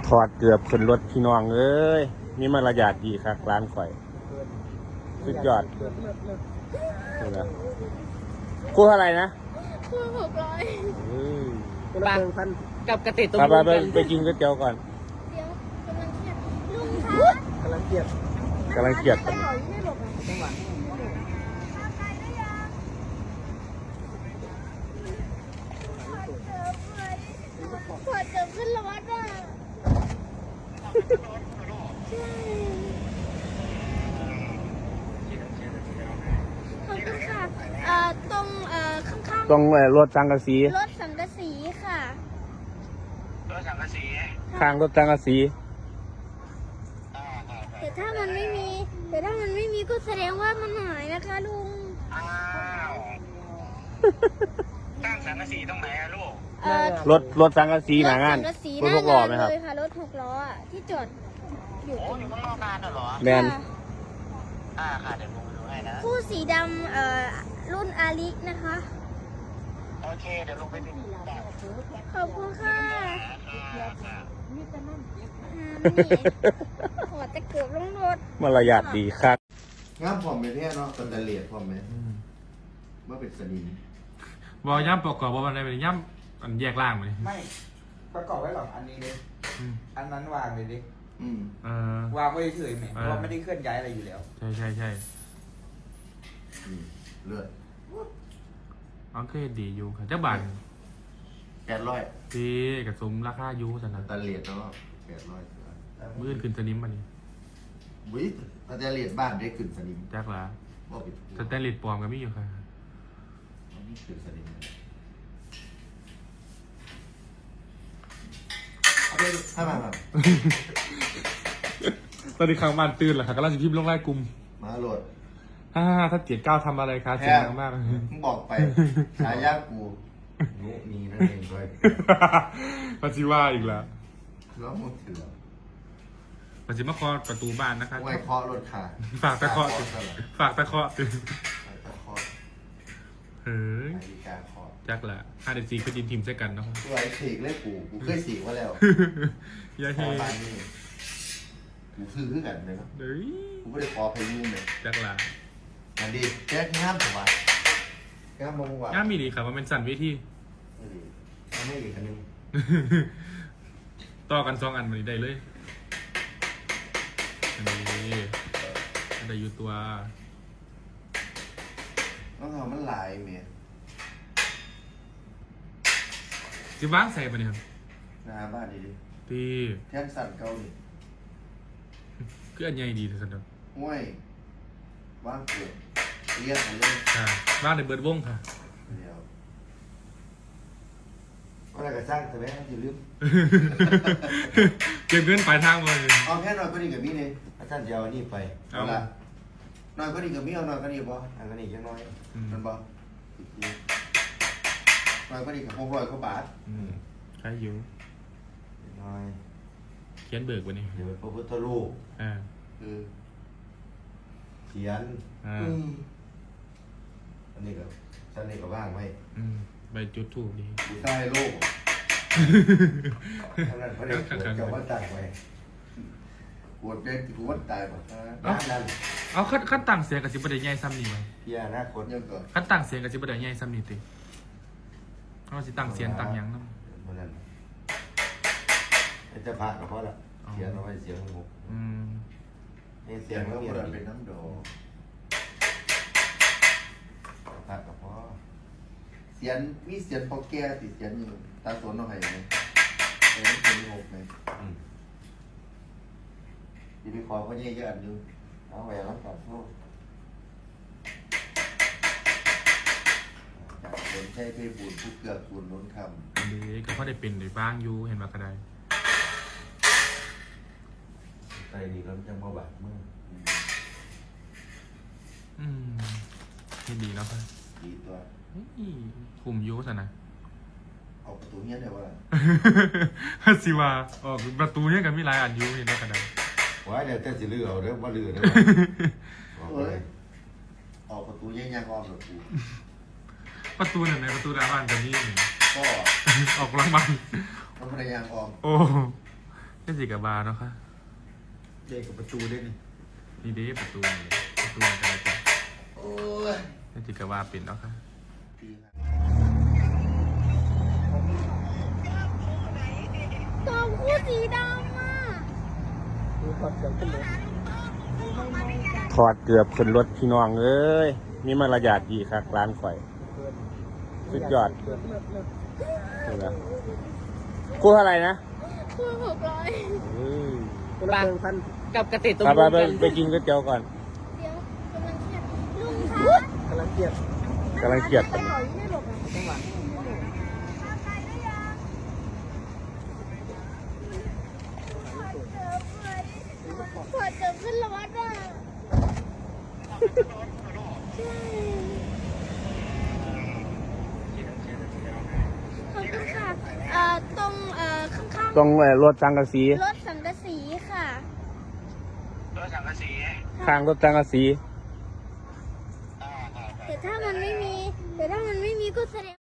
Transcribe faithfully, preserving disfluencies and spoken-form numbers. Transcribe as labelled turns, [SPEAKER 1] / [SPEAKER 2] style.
[SPEAKER 1] ถอดเกือบขึ้นรถพี่น้องเอ้ยมีมารยาทดีครับร้านข่อยสุดยอดนี่นะคู่เท่าไหร่นะ
[SPEAKER 2] คู่หกร้อย
[SPEAKER 3] ปากกับกระติกตรง
[SPEAKER 1] ไป
[SPEAKER 3] นู้น
[SPEAKER 1] ไปไปกินก๋วยเตี๋ยวก่อน
[SPEAKER 2] เดี๋ยวกำลังเครียดลุงคะ
[SPEAKER 4] กำลังเกลียด
[SPEAKER 1] กำลังเกลียดกัน
[SPEAKER 2] ไปหน่อยไม่หลบอ่ะจังหวะขวดเติมขึ้นรถอ่ะใช่ขอบคุณค่ะเอ่อตรงเอ่อข้างๆ
[SPEAKER 1] ตรงเอ่อรถสังกะสี
[SPEAKER 2] รถสังกะสีค่ะรถสังกะสี
[SPEAKER 1] ข้างรถสังกะสี
[SPEAKER 2] แต่ถ้ามันไม่มี แต่ถ้ามันไม่มีก็แสดงว่ามันหายนะคะลุง
[SPEAKER 4] อ้าวตั้งสังกะสีตรงไหนอะลูก
[SPEAKER 2] เอ่อ
[SPEAKER 1] รถรถสังกะสีหนางาน
[SPEAKER 2] รถสังกะสี
[SPEAKER 1] รถหกล้อไหมครับ
[SPEAKER 2] เลยค่ะรถหกล้ออ่ะที่จอดอยู่
[SPEAKER 4] โอ้อยู่ข้างนอกงานเหรอ
[SPEAKER 1] แมน
[SPEAKER 2] ค่ะ
[SPEAKER 4] อ่าค่ะเดี๋ยวผมไปดูให้นะ
[SPEAKER 2] คู่สีดำเอ่อรุ่นอาลินะคะ
[SPEAKER 4] โอเคเดี๋ยวลงไปดูแบบ
[SPEAKER 2] ขอบคุณค่ะ
[SPEAKER 4] ค่ะ
[SPEAKER 2] อ่าไม่มีขอจะเกือบลงรถ
[SPEAKER 1] มารยาทดีครับ
[SPEAKER 5] งามพร้อมไหมแท้เนาะตันตะเลียดพร้อมไหมเมื่อเป็นสนิม
[SPEAKER 6] บอย่ำประกอบว่ามันได้เป็นย่ำอันแยกล่างไปเลย
[SPEAKER 7] ไม่ประกอบไว้หรอกอันนี้เลย
[SPEAKER 6] อืม
[SPEAKER 7] อันนั้นวางเลยดิ
[SPEAKER 5] อืม
[SPEAKER 6] เออ
[SPEAKER 7] วางไว้เฉยๆไหม
[SPEAKER 6] เออ
[SPEAKER 7] เพราะว่าไม่ได้เคลื่อนย้ายอะไรอยู่แล้ว
[SPEAKER 6] ใช่ใช่ใช่
[SPEAKER 5] อืมเลือด
[SPEAKER 6] อังเคยดีอยู่ค่ะเจ้าบัน
[SPEAKER 5] แปดร้อย
[SPEAKER 6] ที่กระสมราคาอยู่สัน
[SPEAKER 5] ตั
[SPEAKER 6] นะ
[SPEAKER 5] นตะเลียดเนาะแปดร้อย
[SPEAKER 6] มื่นขึ้นสนิมมานี่
[SPEAKER 5] วิตันตะเลียดบ้านได้ขึ้นสนิม
[SPEAKER 6] จักละ
[SPEAKER 5] บอกผิด
[SPEAKER 6] สแตนเลสปลอมก็มีอยู่ค่ะ
[SPEAKER 5] นี่ขึ้นสนิมเอาไปดูให้มาครับ
[SPEAKER 6] ตอนนี้ข้างบ้านตื่นเหรอค่ะกำลังจะพิมพ์ลงไล่กลุ่ม
[SPEAKER 5] มาโหลด
[SPEAKER 6] ฮ่าถ้าเกียรติก้าวทำอะไรคะเสียงดังมาก
[SPEAKER 5] มึงบอกไปฉายากูนุมีนั่นเองด้วย
[SPEAKER 6] ปัจจิว่าอีกแล้ว
[SPEAKER 5] แล้วมึงถือ
[SPEAKER 6] ปัจจิมาเคาะประตูบ้านนะคะ
[SPEAKER 5] ไว้เคาะรถขา
[SPEAKER 6] ฝากตะเคาะ
[SPEAKER 5] ต
[SPEAKER 6] สิ
[SPEAKER 5] สลับ
[SPEAKER 6] ฝากตะเคาะสิ
[SPEAKER 5] ตะเคาะ
[SPEAKER 6] เฮ้ย
[SPEAKER 5] นาฬิกาเคาะ
[SPEAKER 6] จักละห้าเดซีคือดินทีมใส่กันเนาะ
[SPEAKER 5] ตัวไอ้ฉีกเลยกูกูเคยฉีกมาแล้ว
[SPEAKER 6] ยาเฮ
[SPEAKER 5] บ้านนี่กูซื้อขึ้นกันเลยเนาะ
[SPEAKER 6] เฮ้ย
[SPEAKER 5] กูไม่ได้ขอพายุเลย
[SPEAKER 6] จักละ
[SPEAKER 5] อันดีแจ๊คงามถูกป่ะงามมองว่า
[SPEAKER 6] ง่ามมีดีครับมันเป็นสันเวที
[SPEAKER 5] ไม่ดีทำไม่ดีกันนึง
[SPEAKER 6] ต่อกันสองอันมาได้เลยอันนี้อันใดอยู่ตัว
[SPEAKER 5] ต้องทำมันหลายเมีย
[SPEAKER 6] จิบ้างใส่ปะเนี่ยครับ
[SPEAKER 5] หน้าบ้านดีดิ
[SPEAKER 6] ตี
[SPEAKER 5] แท่นสั่นเกาหลี
[SPEAKER 6] คืออันใหญ่ดีที่สุดครับ
[SPEAKER 5] ห้วยว่างเกิดเรียกมาเลย
[SPEAKER 6] ค่ะบ้านในเบิร์ดวงค่ะ
[SPEAKER 5] เดี๋ยวอะไรก็สร้างแต่แม่อย่าลืม
[SPEAKER 6] เก็บเงินปลายทางมาเลย
[SPEAKER 5] เอาแค่หน่อยก็ดีกับมี่เลยอาจารย์จะเอาอันนี้ไป
[SPEAKER 6] เอา
[SPEAKER 5] ละหน่อยก็ดีกับมี่เอาหน่อยก็ดีบ่อันก็ดีจังน้อย
[SPEAKER 6] อืม
[SPEAKER 5] มันบ่หน่อยก็ดีกับหกร้อยกว่าบาท
[SPEAKER 6] อืมใช่อยู่
[SPEAKER 5] น้อย
[SPEAKER 6] เขียนเบิกวันนี้
[SPEAKER 5] เดี๋ยวพระพุทธรูป
[SPEAKER 6] อ่า
[SPEAKER 5] คือเขียน
[SPEAKER 6] อ่า
[SPEAKER 5] อืมอันนี้ก็ฉันนี่ก็ว่างไว้
[SPEAKER 6] อืมใบจุดถูกดี
[SPEAKER 5] อยู่ใต้โลกเท่านั้นพระเดชปวดเจ้าวัดตายไว้ปวดเป็นปวดตายหมดนั่นนั่น
[SPEAKER 6] เอาขั้นขั้นต่างเสียงกับสิบประเดี๋ยวใหญ่ซ้ำนี่ไหม
[SPEAKER 5] พี่อนาคตยังก่อน
[SPEAKER 6] ขั้นต่างเสียงกับสิบประเดี๋ยวใหญ่ซ้ำนี่ติเราสิต่างเสียงต่างหยังนั่น
[SPEAKER 5] เพราะนั้นจะพากับพ่อละเขียนเอาไว้เสียงหก
[SPEAKER 6] อืม
[SPEAKER 5] นี่เสียงแล้วมันเป็นน้ำโดพากับพ่อเสียงมีเสียงพอแก่ติดเสียงอยู่ตาสนเอาให้ไหมเสียงเป็นหกไหมที่พี่ขอเขาเยอะๆอันนึงเอาไว้แล้วก่อนโทษจากคนใช้ไปบุญผู้เกือบบุญล้นคำ
[SPEAKER 6] อันนี้ก็พอได้เป็นได้บ้างอยู่เห็นมากระได
[SPEAKER 5] ใจดีแล้วยังมาบาดมือ
[SPEAKER 6] อืมนี่ดีแล้วครับ
[SPEAKER 5] ดีตัว
[SPEAKER 6] นี่คุมอยูสนะ
[SPEAKER 5] เอาประตูเนี้ยได้ว่า
[SPEAKER 6] ฮัสิว่าออกประตูเนี่ยกันมีหลายอันอยูเห็นมากระได
[SPEAKER 5] ว้ายเดี๋ยวแต่สิลือเอาเด้อว่าลือเด้อเอ้ยออกประตูแย่งๆออมหรอกู
[SPEAKER 6] ประตูนั่นไหนประตูหน้าบ้านกันนี่
[SPEAKER 5] ก็
[SPEAKER 6] ออกหลังบ้าน
[SPEAKER 5] น้ำพยายามออม
[SPEAKER 6] โอ้เป็นสีกับบาร์เนาะค่ะ
[SPEAKER 7] เด็กกับประตูด้วยนี่
[SPEAKER 6] นี่เด้ประตูนี่ประตูมันจะอะไรกัน
[SPEAKER 5] โอ้ย
[SPEAKER 6] เป็นสีกับบาร์ปิดเนาะค่ะ
[SPEAKER 5] ดีครับ
[SPEAKER 2] กองคู่สีดำอ่ะ
[SPEAKER 1] ถอดเกือบขึ้นรถพี่น้องเอ้ยมีมารยาทดีครับร้านข่อยสุดยอดนี่นะคู่เท่าไหร่นะ
[SPEAKER 2] คู่หกร้อย
[SPEAKER 1] เอ้ย
[SPEAKER 3] ปากกับกระติกตุ้ม
[SPEAKER 1] ไป
[SPEAKER 3] หู
[SPEAKER 1] ไป
[SPEAKER 3] กัน
[SPEAKER 1] ไปกินก๋วยเตี๋ยวก่อน
[SPEAKER 2] เดี๋ยวกำลังเครียดลุงคะ
[SPEAKER 7] กำลังเกลียด
[SPEAKER 1] กำลังเครียด
[SPEAKER 2] ไปหอยไม่หลบอ่ะ
[SPEAKER 7] จังหวะ
[SPEAKER 2] พอเจอขึ้นรถอ่ะใช่ขอบคุณค่ะเอ่อตรงเอ่อข้าง
[SPEAKER 1] ตรงเอ่อรถสังกะสี
[SPEAKER 2] ๆรถสังกะสีค่ะ
[SPEAKER 4] รถสังกะสี
[SPEAKER 1] ข้างรถสังกะสี
[SPEAKER 4] อ่าค่ะ
[SPEAKER 2] แต่ถ้ามันไม่มี แต่ถ้ามันไม่มีก็แสดง